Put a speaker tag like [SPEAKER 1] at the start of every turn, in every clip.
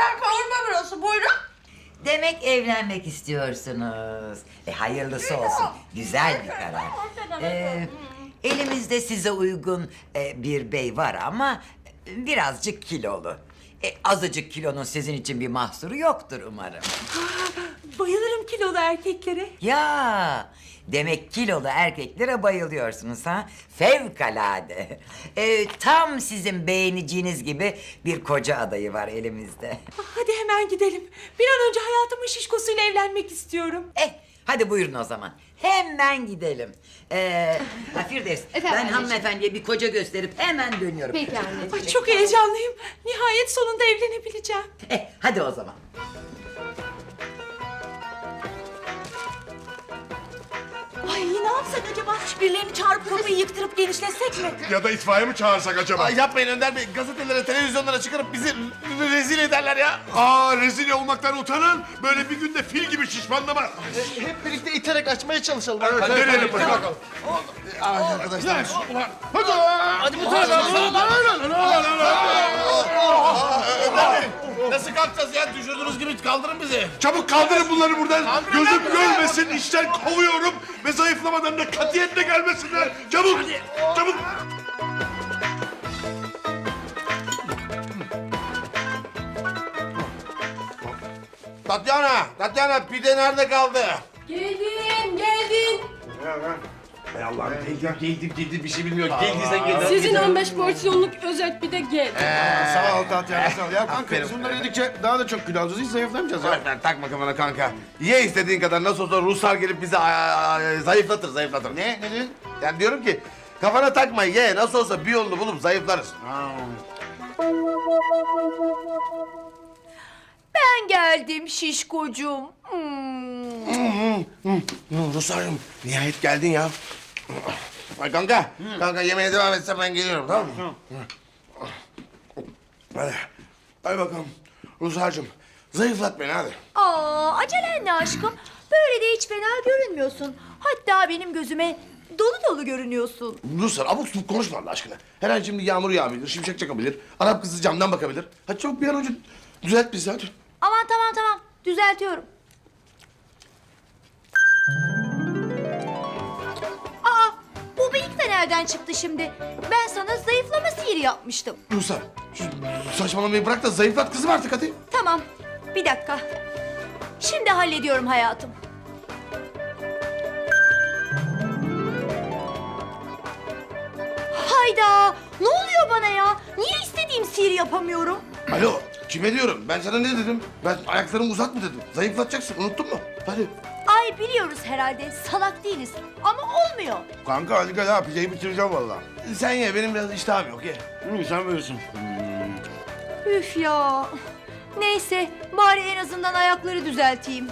[SPEAKER 1] Hemen kavurma burası, buyurun.
[SPEAKER 2] Demek evlenmek istiyorsunuz. Hayırlısı olsun. Güzel bir karar. Elimizde size uygun bir bey var ama birazcık kilolu. Azıcık kilonun sizin için bir mahsuru yoktur umarım.
[SPEAKER 3] Bayılırım kilolu erkeklere.
[SPEAKER 2] Ya demek kilolu erkeklere bayılıyorsunuz ha? Fevkalade. Tam sizin beğeneceğiniz gibi bir koca adayı var elimizde.
[SPEAKER 3] Hadi hemen gidelim. Bir an önce hayatımın şişkosuyla evlenmek istiyorum.
[SPEAKER 2] Hadi buyurun o zaman. Hemen gidelim. Firdevs, ben
[SPEAKER 4] anneciğim.
[SPEAKER 2] hanımefendiye bir koca gösterip hemen dönüyorum.
[SPEAKER 4] Peki anneciğim.
[SPEAKER 3] Ay, çok heyecanlıyım. Nihayet sonunda evlenebileceğim.
[SPEAKER 2] Hadi o zaman.
[SPEAKER 3] Ay ne yapsak acaba? Birilerini çağırıp kapıyı yıktırıp genişletsek mi?
[SPEAKER 5] Ya da itfaiye mi çağırsak acaba?
[SPEAKER 6] Ay yapmayın Önder Bey. Gazetelere, televizyonlara çıkarıp bizi rezil ederler ya.
[SPEAKER 5] Rezil olmaktan utanan böyle bir günde fil gibi şişmanlamaz.
[SPEAKER 6] Hep birlikte iterek açmaya çalışalım.
[SPEAKER 5] Evet, deneyelim bakalım.
[SPEAKER 6] Arkadaşlar.
[SPEAKER 5] Hadi.
[SPEAKER 6] Hadi bu tarafa. Nasıl kalkacağız ya? Düşürdüğünüz gibi kaldırın bizi.
[SPEAKER 5] Çabuk kaldırın bunları buradan. Gözüm görmesin, işten kovuyorum. Ve zayıflamadan da katiyetle gelmesinler. Çabuk, çabuk.
[SPEAKER 6] Tatyana pide nerede kaldı?
[SPEAKER 4] Geldin.
[SPEAKER 6] Hay Allah'ım geldi bir şey bilmiyor. Geldiysen gel.
[SPEAKER 4] Sizin 15 porsiyonluk özel bir de gel.
[SPEAKER 6] Sağ ol Tatyana sağ ol. Ya kanka
[SPEAKER 5] Aferin.
[SPEAKER 6] biz bunları yedikçe daha da çok kilo alacağız. Hiç zayıflamayacağız ya. Takma kafana kanka. Ye istediğin kadar nasıl olsa Ruslar gelip bizi zayıflatır. Ne? Ne diyorsun? Yani diyorum ki kafana takma ye. Nasıl olsa bir yolunu bulup zayıflarız.
[SPEAKER 3] Ben geldim şişkocuğum.
[SPEAKER 6] Ruslarım nihayet geldin ya. Ay kanka, kanka yemeğe devam etsen ben geliyorum tamam mı? Hadi bakalım Ruslarcığım zayıflat beni hadi.
[SPEAKER 3] Acelen ne aşkım? Böyle de hiç fena görünmüyorsun. Hatta benim gözüme dolu dolu görünüyorsun.
[SPEAKER 6] Ruslar abuk subuk konuşma Allah aşkına. Her an şimdi yağmur yağabilir, şimşek çakabilir. Arap kızı camdan bakabilir. Hadi çabuk bir an önce düzelt bizi hadi.
[SPEAKER 3] Aman tamam düzeltiyorum. Bu bıyık da nereden çıktı şimdi? Ben sana zayıflama sihiri yapmıştım.
[SPEAKER 6] Ruslar şu saçmalamayı bırak da zayıflat kızım artık hadi.
[SPEAKER 3] Tamam, bir dakika. Şimdi hallediyorum hayatım. Hayda! Ne oluyor bana ya? Niye istediğim sihiri yapamıyorum?
[SPEAKER 6] Alo kime diyorum ben sana ne dedim? Ben ayaklarımı uzat mı dedim? Zayıflatacaksın unuttun mu? Hadi.
[SPEAKER 3] Ay biliyoruz herhalde, salak değiliz. Ama olmuyor.
[SPEAKER 6] Kanka hadi gel ha pideyi bitireceğim vallahi. Sen ye benim biraz iştahım yok ye. Sen böylesin.
[SPEAKER 3] Üf ya. Neyse, bari en azından ayakları düzelteyim.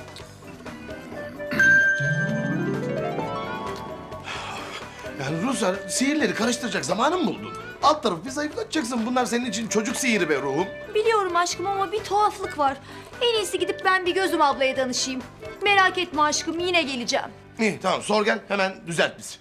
[SPEAKER 6] Yani Ruslar sihirleri karıştıracak zamanın mı buldun? Alt tarafı bir zayıflatacaksın. Bunlar senin için çocuk sihiri be ruhum.
[SPEAKER 3] Biliyorum aşkım ama bir tuhaflık var. En iyisi gidip ben bir Gözüm ablaya danışayım. Merak etme aşkım, yine geleceğim.
[SPEAKER 6] İyi tamam sor gel hemen düzelt bizi.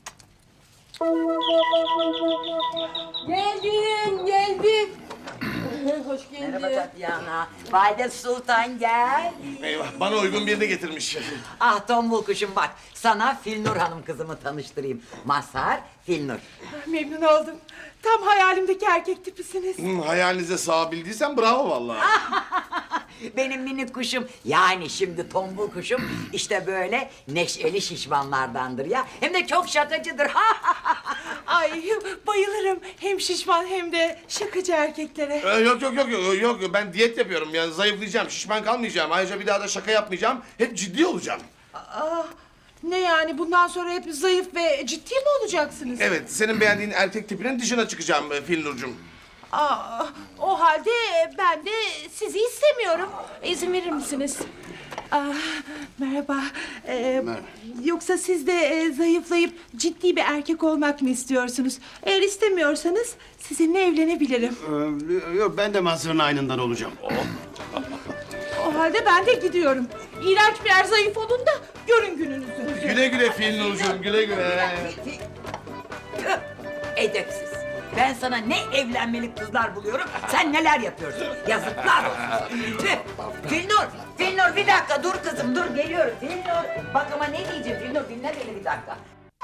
[SPEAKER 4] Geldim. Hoş geldin.
[SPEAKER 2] Merhaba Tatyana. Valide Sultan gel.
[SPEAKER 6] Eyvah bana uygun birini getirmiş.
[SPEAKER 2] Ah tombul kuşum bak. Sana Filnur Hanım kızımı tanıştırayım. Mazhar Filnur.
[SPEAKER 3] Memnun oldum. Tam hayalimdeki erkek tipisiniz.
[SPEAKER 6] Hayalinize sığabildiysen bravo vallahi.
[SPEAKER 2] Benim minik kuşum yani şimdi tombul kuşum işte böyle neşeli şişmanlardandır ya. Hem de çok şakacıdır.
[SPEAKER 3] Ay bayılırım. Hem şişman hem de şakacı erkeklere.
[SPEAKER 6] Yok ben diyet yapıyorum yani zayıflayacağım şişman kalmayacağım. Ayrıca bir daha da şaka yapmayacağım. Hep ciddi olacağım.
[SPEAKER 3] Ne yani bundan sonra hep zayıf ve ciddi mi olacaksınız?
[SPEAKER 6] Evet senin beğendiğin erkek tipinin dışına çıkacağım Filnur'cum.
[SPEAKER 3] O halde ben de sizi istemiyorum. İzin verir misiniz? Merhaba. Yoksa siz de zayıflayıp ciddi bir erkek olmak mı istiyorsunuz? Eğer istemiyorsanız sizinle evlenebilirim.
[SPEAKER 7] Yok ben de Mazhar'ın aynından olacağım.
[SPEAKER 3] O halde ben de gidiyorum. İğrenç birer zayıf olun da görün gününüzü.
[SPEAKER 6] Güle güle Filnur'cum güle güle.
[SPEAKER 2] Edepsiz. Ben sana ne evlenmelik kızlar buluyorum, sen neler yapıyorsun? Yazıklar olsun. Tüh. Filnur bir dakika dur kızım dur geliyorum. Filnur bak ama ne diyeceğim Filnur dinle beni bir dakika.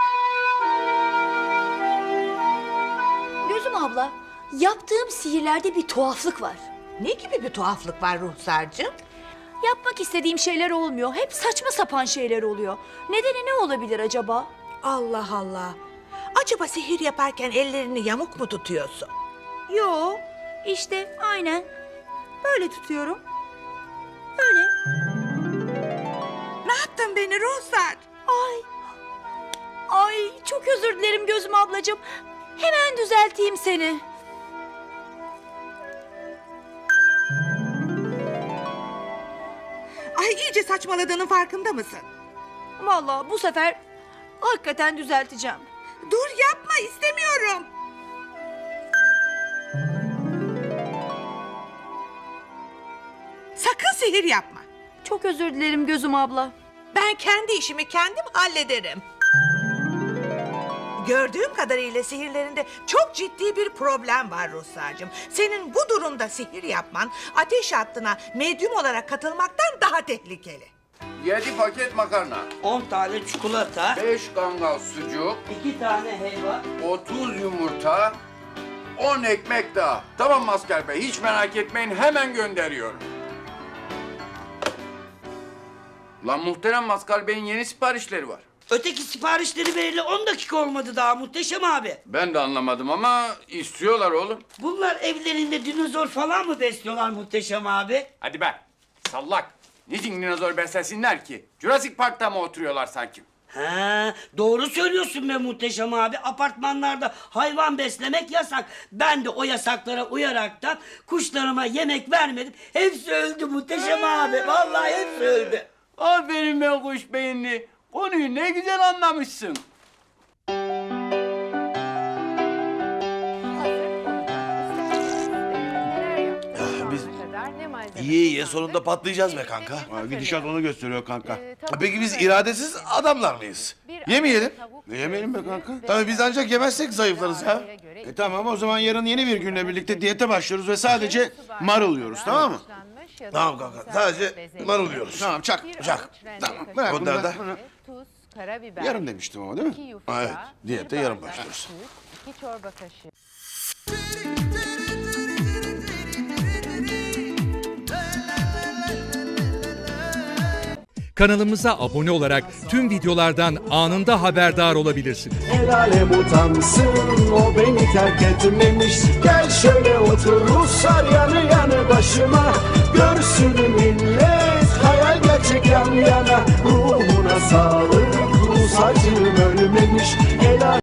[SPEAKER 1] Gözüm abla, yaptığım sihirlerde bir tuhaflık var.
[SPEAKER 3] Ne gibi bir tuhaflık var Ruhsar'cığım?
[SPEAKER 1] Yapmak istediğim şeyler olmuyor. Hep saçma sapan şeyler oluyor. Nedeni ne olabilir acaba?
[SPEAKER 3] Allah Allah. Acaba sihir yaparken ellerini yamuk mu tutuyorsun?
[SPEAKER 1] Yo, işte aynen. Böyle tutuyorum. Böyle.
[SPEAKER 3] Ne yaptın beni Ruhsar?
[SPEAKER 1] Ay, çok özür dilerim Gözüm ablacığım. Hemen düzelteyim seni.
[SPEAKER 3] Ay iyice saçmaladığının farkında mısın?
[SPEAKER 1] Vallahi bu sefer hakikaten düzelteceğim.
[SPEAKER 3] Dur yapma istemiyorum. Sakın sihir yapma.
[SPEAKER 1] Çok özür dilerim Gözüm abla.
[SPEAKER 3] Ben kendi işimi kendim hallederim. Gördüğüm kadarıyla sihirlerinde çok ciddi bir problem var Ruhsar'cığım. Senin bu durumda sihir yapman ateş hattına medyum olarak katılmaktan daha tehlikeli.
[SPEAKER 8] 7 paket makarna,
[SPEAKER 9] 10 tane çikolata,
[SPEAKER 8] 5 kangal sucuk,
[SPEAKER 9] 2 tane helva.
[SPEAKER 8] 30 yumurta, 10 ekmek daha. Tamam Maskar Bey, hiç merak etmeyin, hemen gönderiyorum. Lan muhterem Maskar Bey'in yeni siparişleri var.
[SPEAKER 9] Öteki siparişleri vereli 10 dakika olmadı daha Muhteşem abi.
[SPEAKER 8] Ben de anlamadım ama istiyorlar oğlum.
[SPEAKER 9] Bunlar evlerinde dinozor falan mı besliyorlar Muhteşem abi?
[SPEAKER 8] Hadi be, sallak. Niçin dinozor beslesinler ki? Jurassic Park'ta mı oturuyorlar sanki?
[SPEAKER 9] Ha, doğru söylüyorsun be Muhteşem abi. Apartmanlarda hayvan beslemek yasak. Ben de o yasaklara uyaraktan kuşlarıma yemek vermedim. Hepsi öldü Muhteşem abi. Vallahi hepsi öldü.
[SPEAKER 8] Aferin be kuş beyinli. Konuyu ne güzel anlamışsın.
[SPEAKER 6] Biz iyi sonunda patlayacağız be kanka.
[SPEAKER 7] Gidişat onu gösteriyor kanka.
[SPEAKER 6] Peki biz iradesiz adamlar mıyız? Yemeyelim.
[SPEAKER 7] Ne yemeyelim be kanka?
[SPEAKER 6] Tabii biz ancak yemezsek zayıflarız ya.
[SPEAKER 7] Tamam o zaman yarın yeni bir günle birlikte diyete başlıyoruz ve sadece marul yiyoruz tamam mı?
[SPEAKER 6] Tamam kanka sadece marul yiyoruz.
[SPEAKER 7] Tamam çak.
[SPEAKER 6] Çak.
[SPEAKER 7] Tamam bırak
[SPEAKER 6] Bunlar
[SPEAKER 7] bunları.
[SPEAKER 6] da-
[SPEAKER 10] Tuz, karabiber.
[SPEAKER 7] Yarın demiştim ama değil mi?
[SPEAKER 10] 2 yufka.
[SPEAKER 6] Ha, evet, diyete
[SPEAKER 10] bir
[SPEAKER 6] yarın
[SPEAKER 10] bardak
[SPEAKER 6] başlıyoruz.
[SPEAKER 10] süt, 2 çorba kaşığı.
[SPEAKER 11] Kanalımıza abone olarak tüm videolardan anında haberdar olabilirsiniz.
[SPEAKER 12] El alem utansın o beni terk etmemiş. Gel şöyle otur Ruslar yanı yanı başıma. Görsün millet hayal gerçek yan yana. Ruhuna sağlık Rus acım ölmemiş.